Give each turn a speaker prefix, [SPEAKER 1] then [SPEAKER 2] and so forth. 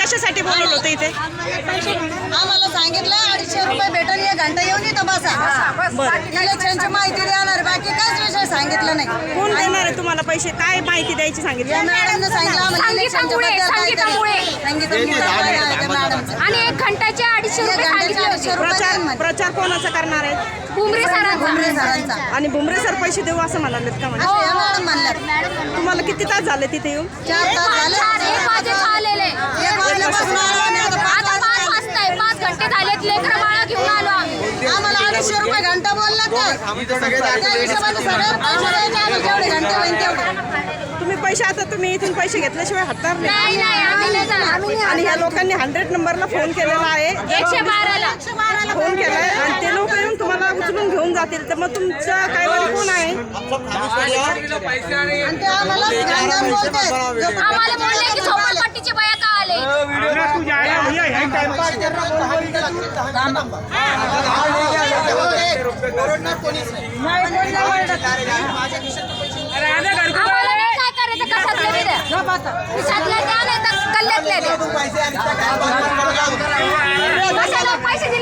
[SPEAKER 1] कशासाठी बोलवलं होतं इथे?
[SPEAKER 2] आम्हाला सांगितलं 250 रुपये भेटून 1 घंटा येऊन इथं बसा. इलेक्शनची माहिती देणार, बाकी काहीच विषय सांगितलं नाही.
[SPEAKER 1] कोण देणार आहे तुम्हाला पैसे? काय माहिती द्यायची सांगितलं?
[SPEAKER 2] मॅडमने सांगितलं आम्हाला इलेक्शनच्या बद्दल
[SPEAKER 3] आणि 1 घंट्याचे 250 रुपये सांगितले होते.
[SPEAKER 1] प्रचार कोणाचा करणार आहे?
[SPEAKER 3] बुमरे सरांचा.
[SPEAKER 1] आणि बुमरे सर पैसे देऊ असं म्हणालेत का? म्हणजे
[SPEAKER 2] मॅडम म्हणलं
[SPEAKER 1] तुम्हाला किती तास झाले तिथे येऊन?
[SPEAKER 2] 4 तास झाले.
[SPEAKER 3] 1 वाजे आलेले.
[SPEAKER 2] 1 वाजल्यापासून आलो आणि आता 5
[SPEAKER 3] आता 5 वाजताय. 5 घंटे झालेत. लेकरं बाळा घेऊन आलो आम्ही.
[SPEAKER 2] आम्हाला 250 रुपये घंटा बोलला तर त्या हिशोबाने सगळे पैसे द्यायचे आम्हाला जेवढे घंटे होईल तेवढे.
[SPEAKER 1] तुम्ही पैसे आता तुम्ही इथून पैसे घेतल्याशिवाय हटणार नाही.
[SPEAKER 3] नाही आम्ही नाही जाणार.
[SPEAKER 1] आणि ह्या लोकांनी 100 नंबरला फोन केलेला आहे,
[SPEAKER 3] 112ला.
[SPEAKER 1] फोन केलाय आणि ते लोक येऊन तुम्हाला उचलून घेऊन जातील. तर मग तुमचं काय वाली कोण आहे?
[SPEAKER 2] आणि ते आम्हाला घाण बोलतात.
[SPEAKER 3] आम्हाला बोलले की झोपडपट्टीचे बाया का आले. आम्हाला नाही काय करायचं. कशातले बी द्या. खिशातले द्या नाही तर गल्ल्यातले द्या. कशाला पैसे दिले